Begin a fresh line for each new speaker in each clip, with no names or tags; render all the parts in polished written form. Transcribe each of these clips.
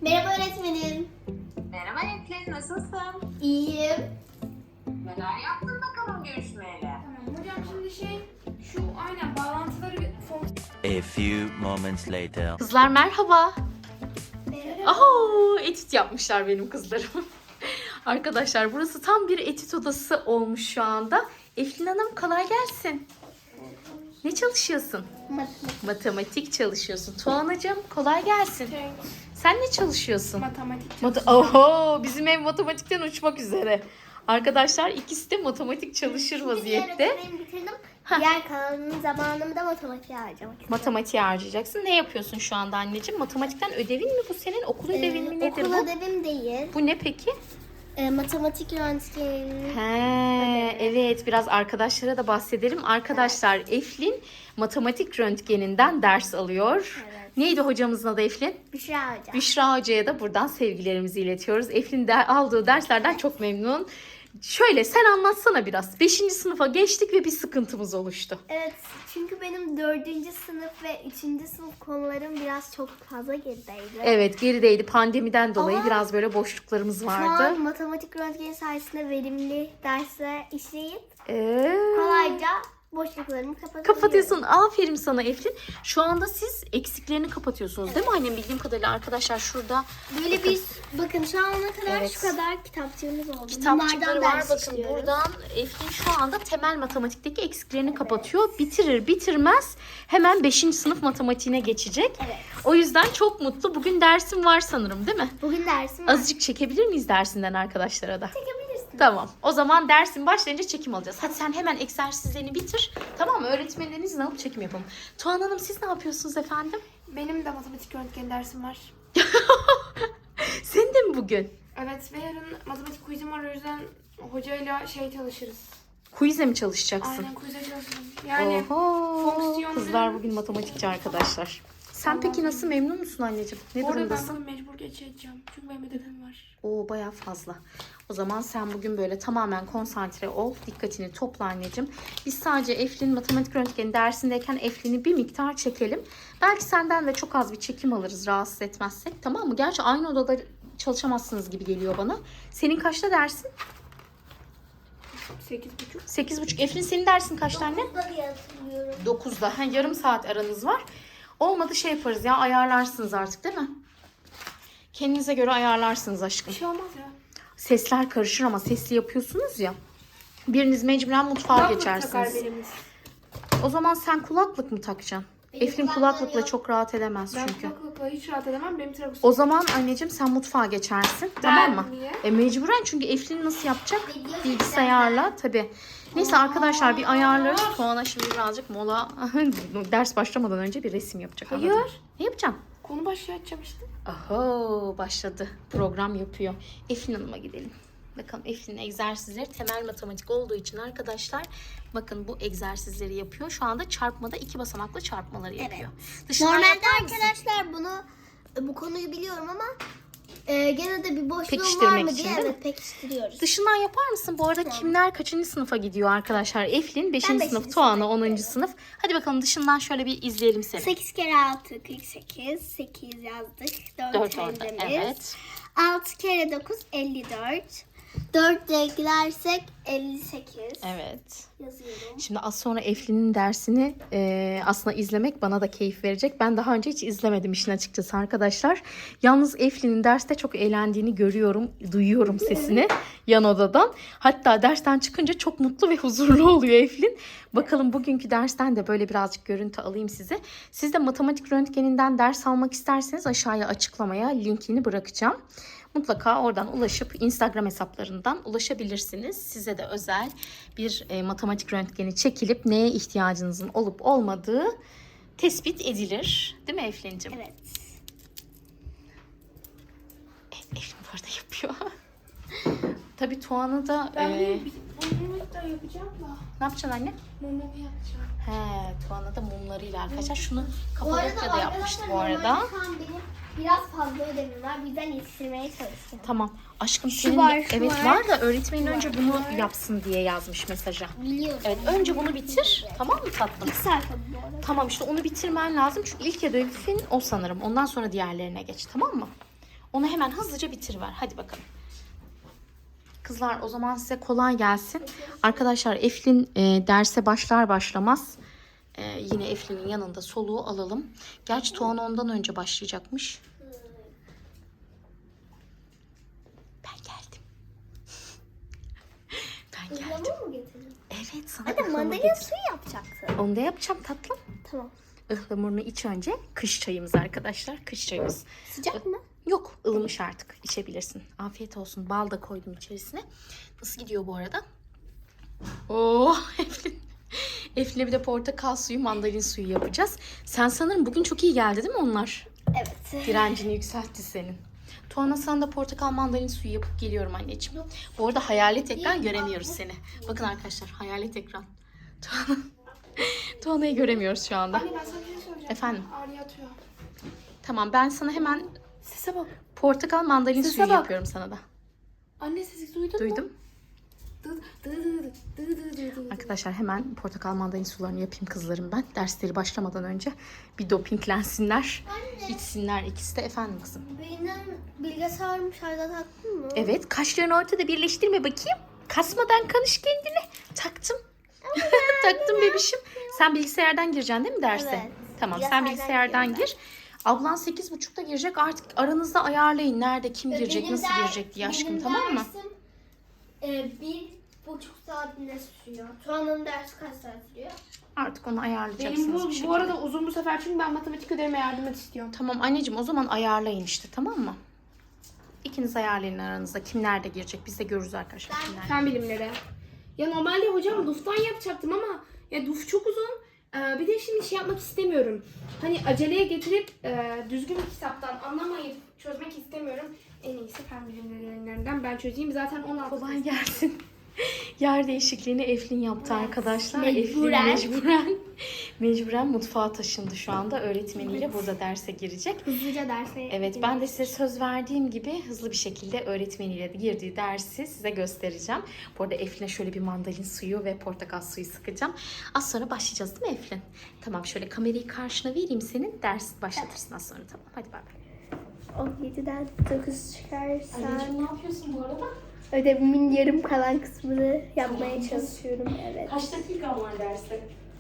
Merhaba öğretmenim.
Merhaba Eflin, nasılsın?
İyiyim.
Neler yaptın bakalım görüşmeyle?
Tamam hocam şimdi şu aynen bağlantıları
A few moments later.
Kızlar merhaba.
Merhaba.
Aho, etüt yapmışlar benim kızlarım. Arkadaşlar burası tam bir etüt odası olmuş şu anda. Eflin Hanım kolay gelsin. Ne çalışıyorsun? Matematik çalışıyorsun. Tuğanacığım kolay gelsin. Sen ne çalışıyorsun?
matematik
Oho, bizim ev matematikten uçmak üzere. Arkadaşlar ikisi de matematik çalışır vaziyette.
Öğretmenim bitirdim. Diğer kalanın zamanımı da matematiğe harcamak istiyorum.
Matematiğe harcayacaksın. Ne yapıyorsun şu anda anneciğim? Matematikten ödevin mi bu senin? Okul ödevin mi nedir
Okul
bu?
ödevim değil.
Bu ne peki?
Matematik röntgeni.
He, evet biraz arkadaşlara da bahsedelim. Arkadaşlar Eflin matematik röntgeninden ders alıyor.
Evet.
Neydi hocamızın adı Eflin?
Büşra Hoca.
Büşra Hoca'ya da buradan sevgilerimizi iletiyoruz. Eflin de aldığı derslerden çok memnun. Şöyle sen anlatsana biraz. 5. sınıfa geçtik ve bir sıkıntımız oluştu.
Evet, çünkü benim 4. sınıf ve 3. sınıf konularım biraz çok fazla gerideydi.
Evet gerideydi pandemiden dolayı
Ama
biraz böyle boşluklarımız
Şu
vardı.
an matematik röntgeni sayesinde verimli dersler işleyip
Ee,
kolayca boşluklarımı kapatabiliyorum.
Kapatıyorsun. Aferin sana Eflin. Şu anda siz eksiklerini kapatıyorsunuz değil mi annem? Bildiğim kadarıyla arkadaşlar şurada
Böyle bir bakın şu ana kadar
Evet.
şu kadar kitapçığımız oldu.
kitapçıkları
Bunlardan
var.
ders
Bakın
işliyoruz.
buradan Eflin şu anda temel matematikteki eksiklerini kapatıyor. Bitirir bitirmez hemen 5. sınıf matematiğine geçecek.
Evet.
O yüzden çok mutlu. Bugün dersim var sanırım değil mi?
Bugün dersim var.
Azıcık çekebilir miyiz dersinden arkadaşlara da?
Çekebilirsin.
Tamam. O zaman dersin başlayınca çekim alacağız. Hadi sen hemen egzersizlerini bitir. Tamam mı? Öğretmenlerin izni alıp çekim yapalım. Tuğan Hanım siz ne yapıyorsunuz efendim?
benim de matematik röntgeni dersim var.
Senin de mi bugün?
Evet ve yarın matematik quizim var o yüzden hocayla çalışırız.
Quiz'e mi çalışacaksın?
Aynen quiz'e çalışırım. Yani
Oho.
fonksiyonları-
Kızlar bugün matematikçi arkadaşlar. Sen peki nasıl memnun musun anneciğim? Ne
bu arada ben
durumdasın?
bugün mecbur geçeceğim. Çünkü benim ödevim var.
Oo bayağı fazla. O zaman sen bugün böyle tamamen konsantre ol. Dikkatini topla anneciğim. Biz sadece Eflin matematik röntgeni dersindeyken Eflin'i bir miktar çekelim. Belki senden de çok az bir çekim alırız rahatsız etmezsek. Tamam mı? Gerçi aynı odada çalışamazsınız gibi geliyor bana. Senin kaçta dersin?
8.30.
8.30. Eflin senin dersin kaçta anne?
Burada diye hatırlıyorum.
9'da. Ha, yarım saat aranız var. Olmadı şey yaparız ya ayarlarsınız artık değil mi? Kendinize göre ayarlarsınız aşkım.
Bir şey olmaz ya.
Sesler karışır ama sesli yapıyorsunuz ya. Biriniz mecburen mutfağa
Kulaklık takar
geçersiniz.
birimiz.
O zaman sen kulaklık mı takacaksın?
Benim
Eflin
kulaklığım
kulaklıkla
yok.
çok rahat edemez
Ben
çünkü.
kulaklıkla hiç rahat edemem. Benim tragus.
O zaman anneciğim sen mutfağa geçersin. Tamam mı?
niye?
Mecburen çünkü Eflin nasıl yapacak?
Video
Bilgisayarla tabii. Neyse arkadaşlar bir ayarlarız. Tuana şimdi birazcık mola ders başlamadan önce bir resim yapacak.
Hayır.
anladın mı? Ne yapacağım?
Konu başlığı açacağım işte.
Aho başladı. Program yapıyor. Eflin Hanım'a gidelim. Bakalım Eflin'in egzersizleri temel matematik olduğu için arkadaşlar bakın bu egzersizleri yapıyor. Şu anda çarpmada 2 basamaklı çarpmaları yapıyor. Dışından
Normalde
yapar mısın?
arkadaşlar bu konuyu biliyorum ama gene de bir boşluğum var
Pekiştirmek
mı
için
diye
değil mi?
evet pekiştiriyoruz.
Dışından yapar mısın? Bu arada kimler kaçıncı sınıfa gidiyor arkadaşlar? Eflin 5.
Ben beşinci
sınıf, Tuana
sınıfa
10.
gidiyorum.
sınıf. Hadi bakalım dışından şöyle bir izleyelim seni.
8 kere 6 48. 8 yazdık. 4
4 orada.
kendimiz.
Evet.
6 kere 9 54. 4 de eklersek 58.
Evet.
Yazıyorum.
Şimdi az sonra Eflin'in dersini aslında izlemek bana da keyif verecek. Ben daha önce hiç izlemedim işin açıkçası arkadaşlar. Yalnız Eflin'in derste çok eğlendiğini görüyorum, duyuyorum sesini yan odadan. Hatta dersten çıkınca çok mutlu ve huzurlu oluyor Eflin. Bakalım bugünkü dersten de böyle birazcık görüntü alayım size. Siz de matematik röntgeninden ders almak isterseniz aşağıya açıklamaya linkini bırakacağım. Mutlaka oradan ulaşıp Instagram hesaplarından ulaşabilirsiniz. Size de özel bir matematik röntgeni çekilip neye ihtiyacınızın olup olmadığı tespit edilir. Değil mi Eflin'cim?
Evet.
Eflin burada yapıyor. Tabii Tuğan'ı da...
Ben bunu da yapacağım da.
ne yapacaksın anne?
Mumumu yapacağım.
He, Tuğan'a da mumlarıyla arkadaşlar. Şunu
Bu arada
Kapadokya'da yapmıştı bu arada.
normalde şu an benim biraz fazla ödevim var. Bizden yetiştirmeye çalışacağım.
Tamam. Aşkım
Şu
senin
var,
de,
şu
evet
var.
var da öğretmenin önce
var,
bunu
var.
yapsın diye yazmış mesaja.
Biliyorum.
Evet önce bunu bitir. Tamam mı tatlım?
2 sayfa bu arada.
Tamam işte onu bitirmen lazım. Çünkü ilk ödevin o sanırım. Ondan sonra diğerlerine geç. Tamam mı? Onu hemen hızlıca bitiriver. Hadi bakalım. Kızlar o zaman size kolay gelsin. Arkadaşlar Eflin derse başlar başlamaz yine Eflin'in yanında soluğu alalım. Gerçi Tuğan ondan önce başlayacakmış. Ben geldim. Ben geldim.
Ihlamur mu getirdin?
Evet sana
Hadi
ıhlamur
mandalina
getirdim.
suyu yapacaksın.
Onu da yapacağım tatlım.
Tamam.
Ihlamurunu iç önce. Kış çayımız arkadaşlar. Kış çayımız.
Sıcak mı?
Yok ılımış artık. İçebilirsin. Afiyet olsun. Bal da koydum içerisine. Nasıl gidiyor bu arada? Oo Eflin. Eflin'e bir de portakal suyu, mandalin suyu yapacağız. Sen sanırım bugün çok iyi geldi değil mi onlar?
Evet.
Direncini yükseltti senin. Tuana sana da portakal mandalin suyu yapıp geliyorum anneciğim. Bu arada hayalet ekran göremiyoruz seni. Bakın arkadaşlar hayalet ekran. Tuana'yı göremiyoruz şu anda.
Anne ben sana bir şey soracağım.
Efendim?
Arya atıyor.
Tamam ben sana hemen
Sese bak.
portakal mandalin
Sese
suyu
bak.
yapıyorum sana da.
Anne sesi duydun mu?
Duydum.
Dı dı dı dı dı dı dı.
Arkadaşlar hemen portakal mandalin sularını yapayım kızlarım ben. Dersleri başlamadan önce bir dopinglensinler. İçsinler ikisi de efendim kızım.
Benim bilgisayarımı şarja taktın mı?
Evet kaşlarını ortada birleştirme bakayım. Kasmadan kanış kendini. Taktım. Taktım bebişim. Sen bilgisayardan gireceksin değil mi derse?
Evet.
Tamam sen
Bilgisayardan
bilgisayardan gir. Ablan 8.30'da girecek. Artık aranızda ayarlayın. Nerede kim girecek,
Benim
nasıl girecek diye aşkım tamam mı?
Dersim, 1,5 saat ne sürüyor? Tuana'nın dersi kaç saat sürüyor?
Artık onu
Benim
ayarlayacaksınız bir
bu
şekilde.
arada uzun bu sefer çünkü ben matematik ödevime yardım et istiyorum.
Tamam anneciğim o zaman ayarlayın işte tamam mı? İkiniz ayarlayın aranızda. Kim nerede girecek? Biz de görürüz arkadaşlar kimler.
Fen bilimleri. Ya normalde hocam DUF'tan yapacaktım ama ya DUF çok uzun. Bir de şimdi şey yapmak istemiyorum. Hani aceleye getirip düzgün bir kitaptan anlamayıp çözmek istemiyorum. En iyisi fen bilimlerinden ben çözeyim. Zaten 16
Kolay gelsin. Yer değişikliğini Eflin yaptı arkadaşlar.
Mecburen.
Eflin mecburen mutfağa taşındı şu anda. Öğretmeniyle burada derse girecek.
Hızlıca derse.
Evet ben de size söz verdiğim gibi hızlı bir şekilde öğretmeniyle girdiği dersi size göstereceğim. Bu arada Eflin'e şöyle bir mandalin suyu ve portakal suyu sıkacağım. Az sonra başlayacağız değil mi Eflin? Tamam şöyle kamerayı karşına vereyim senin. Ders başlatırsın az sonra tamam. Hadi bay bay.
17'den 9 çıkarsan
ne yapıyorsun bu arada?
ödevimin yarım kalan kısmını yapmaya çalışıyorum. Evet.
Kaç dakika var derste?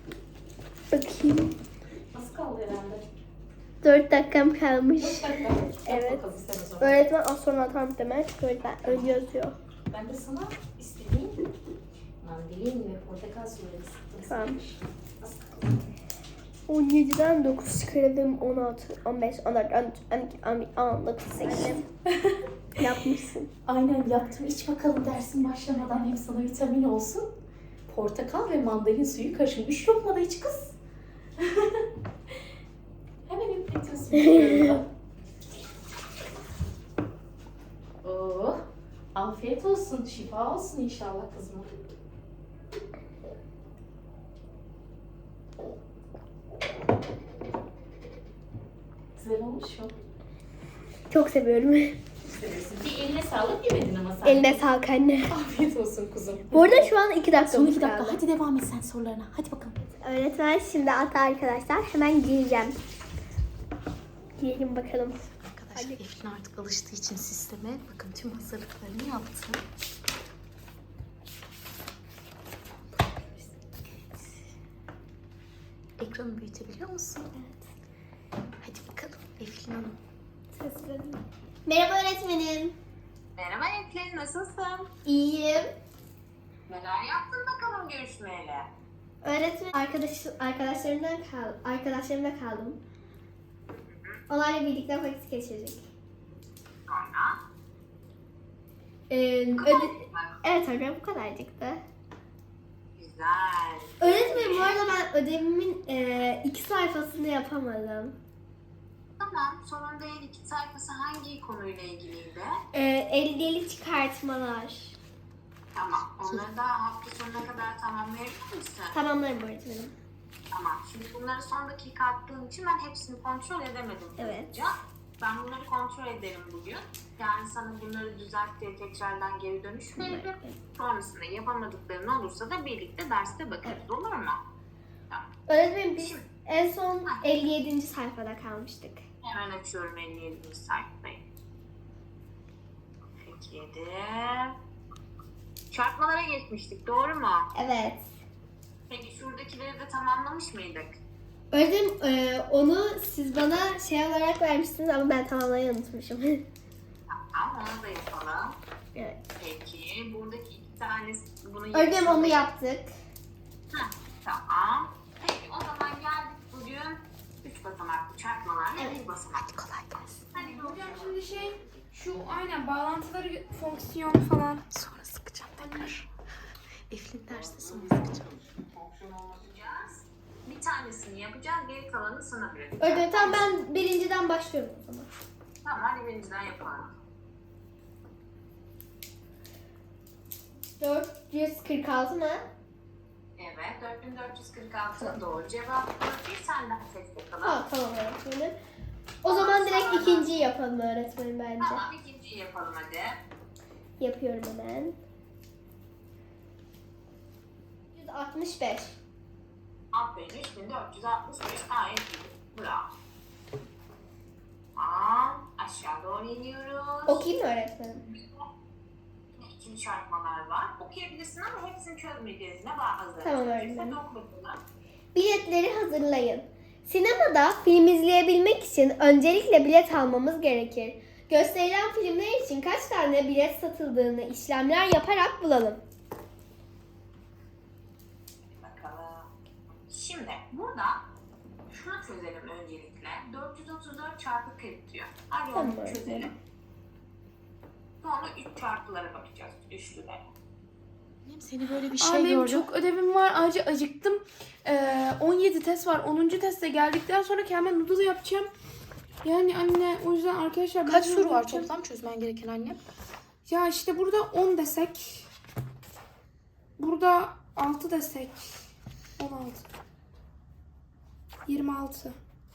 Bakayım.
Az kaldı herhalde.
4 dakikam kalmış.
5 dakika.
Evet.
Bakalım sen o zaman.
Öğretmen az sonra atar demek. O yüzden önce yazıyor.
Ben de sana istediğim mandalin ve portakal suyu sıktım.
Tamam.
Az kaldı.
17'den 9 çıkaralım. 16, 15, 14, 13, 14, 19, 8. Yapmışsın.
Aynen yaptım. İç bakalım dersin başlamadan hem sana vitamin olsun. Portakal ve mandalin suyu karışım. 3 lokma da iç kız. Hemen üfletiyorsun. Oo, afiyet olsun. Şifa olsun inşallah kızıma. Güzel olmuş mu?
Çok seviyorum.
Bir eline sağlık yemedin ama sen.
Eline sağlık anne.
Afiyet olsun kuzum.
Bu arada şu an 2 dakika
Son 2
kaldı.
dakika. Hadi devam et sen sorularına. Hadi bakalım.
Öğretmen şimdi atar arkadaşlar. Hemen gireceğim. Girelim bakalım.
Arkadaşlar Eflin artık alıştığı için sisteme bakın tüm hazırlıklarını yaptı. Evet. Ekranı büyütebiliyor musun? Evet. Hadi bakalım Eflin Hanım.
Merhaba öğretmenim.
Merhaba Eflin, nasılsın?
İyiyim.
Neler yaptın bakalım görüşmeyle?
Öğretmen arkadaşlarımla kaldım. Onlarla birlikte vakit geçirdik.
Sonra?
Evet hocam bu kadarcıktı.
Güzel.
Öğretmenim bu arada ben ödevimin 2 sayfasını yapamadım.
Tamam, sonunda en 2 sayfası hangi konuyla ilgiliydi?
Elde çıkartmalar.
Tamam, onları da hafta sonuna kadar tamamlayabilir misin?
Tamamlarım öğretmenim.
Tamam, şimdi bunları son dakika attığım için ben hepsini kontrol edemedim.
Evet.
hızlıca. Ben bunları kontrol ederim bugün. Yani sana bunları düzelt diye tekrardan geri dönüş veririm. Sonrasında yapamadıkların olursa da birlikte derste bakarız, olur mu? Tamam.
Öğretmenim biz en son 57. sayfada kalmıştık.
Hemen açıyorum 57. sayfayı. 47. Çarpmalara geçmiştik, doğru mu?
Evet.
Peki şuradakileri de tamamlamış mıydık?
Öğretmenim onu siz bana şey olarak vermiştiniz ama ben tamamlamayı unutmuşum.
Tamam, onu da yapalım.
Evet.
Peki buradaki iki tanesi bunu
Öğretmenim onu yaptık.
Heh, tamam. Peki o zaman geldik bugün 3 basamaklı çarpmalar ve
Evet.
bir basamaklı.
Kolay gelsin.
Hadi
Hocam
bakalım.
şimdi şu aynen bağlantıları, fonksiyon falan.
Sonra sıkacağım tekrar. Eflin dersi sonra sıkacağım.
Yapacağız. Bir tanesini yapacağız, geri kalanını sana bırakacağım.
Öğretmenim tamam ben birinciden başlıyorum o zaman.
Tamam, hadi birinciden yapalım.
446 mı?
Evet, 4446 doğru cevap. Bir tane daha seç bakalım.
Ha tamam öğretmenim. O zaman direkt ikinciyi yapalım öğretmenim bence.
Tamam, ikinciyi yapalım hadi.
Yapıyorum hemen. 165.
Aferin, 3465 gayet iyi. Bravo. Tamam, aşağı doğru iniyoruz.
Okuyayım mı öğretmenim?
İkili çarpmalar var. Okuyabilirsin ama hepsini çözmeyeceğiz. Ne var hazır?
Tamam, öğretmenim.
Hadi oku bakalım.
Biletleri hazırlayın. Sinemada film izleyebilmek için öncelikle bilet almamız gerekir. Gösterilen filmler için kaç tane bilet satıldığını işlemler yaparak bulalım.
Bakalım. Şimdi burada şunu çözelim öncelikle. 434 çarpı 40 diyor. Hadi
Tamam,
onu
öğretmenim.
çözelim. Sonra 3 çarpılara bakacağız. Üçlülere.
Seni böyle bir
Aa,
şey
benim
gördüm.
çok ödevim var. Ayrıca acıktım. 17 test var. 10. teste geldikten sonra kendime noodle yapacağım. Yani anne o yüzden arkadaşlar... ben
Kaç
noodle
soru var
yapacağım.
toplam çözmen gereken anne?
Ya işte burada 10 desek. Burada 6 desek. 16. 26.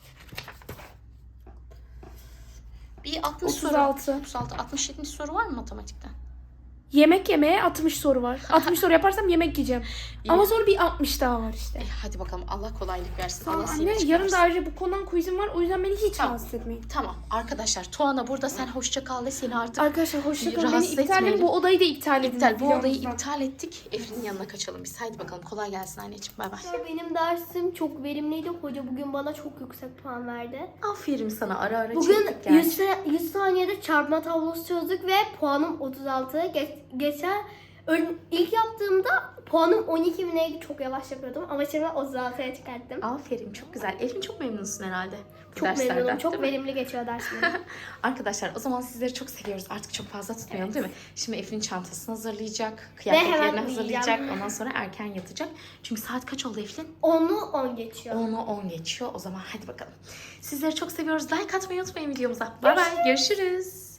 Bir 60 soru.
36.
36, 67. soru var mı matematikten?
Yemek yemeye 60 soru var. 60 soru yaparsam yemek yiyeceğim.
İyi.
Ama sonra bir 60 daha var işte.
Hadi bakalım Allah kolaylık versin.
Tamam
Allah seni
anne yarın
çıkarsın.
da ayrıca bu konudan quizim var. O yüzden beni hiç
Tamam.
rahatsız etmeyin.
Tamam arkadaşlar Tuana burada sen hoşça kal ve seni artık
Arkadaşlar hoşçakalın. Beni
Rahatsız
iptal edin.
etmeyelim.
Bu odayı da iptal edin.
iptal. Bu odayı
videomuzdan.
iptal ettik. Efrin'in yanına kaçalım biz. Haydi bakalım kolay gelsin anneciğim. Bay bay.
Benim dersim çok verimliydi. Hoca bugün bana çok yüksek puan verdi.
Aferin sana ara ara
Bugün
çektik gerçi.
100 saniyede çarpma tablosu çözdük ve puanım 36. Geçen ilk yaptığımda puanım 12 mi neydi, çok yavaş yapıyordum ama şimdi 36'ya çıkarttım.
Aferin çok güzel. Efrin çok memnunsun herhalde. bu
Çok
derslerden,
memnunum. Çok
değil mi?
verimli geçiyor derslerim.
Arkadaşlar o zaman sizleri çok seviyoruz. Artık çok fazla tutmayalım değil mi? Şimdi Efrin çantasını hazırlayacak.
hemen
Kıyafetlerini hazırlayacak.
uyuyacağım.
Ondan sonra erken yatacak. Çünkü saat kaç oldu Efrin?
10'u 10 geçiyor.
10'u 10 geçiyor. O zaman hadi bakalım. Sizleri çok seviyoruz. Like atmayı unutmayın videomuza. Bay bay. Görüşürüz.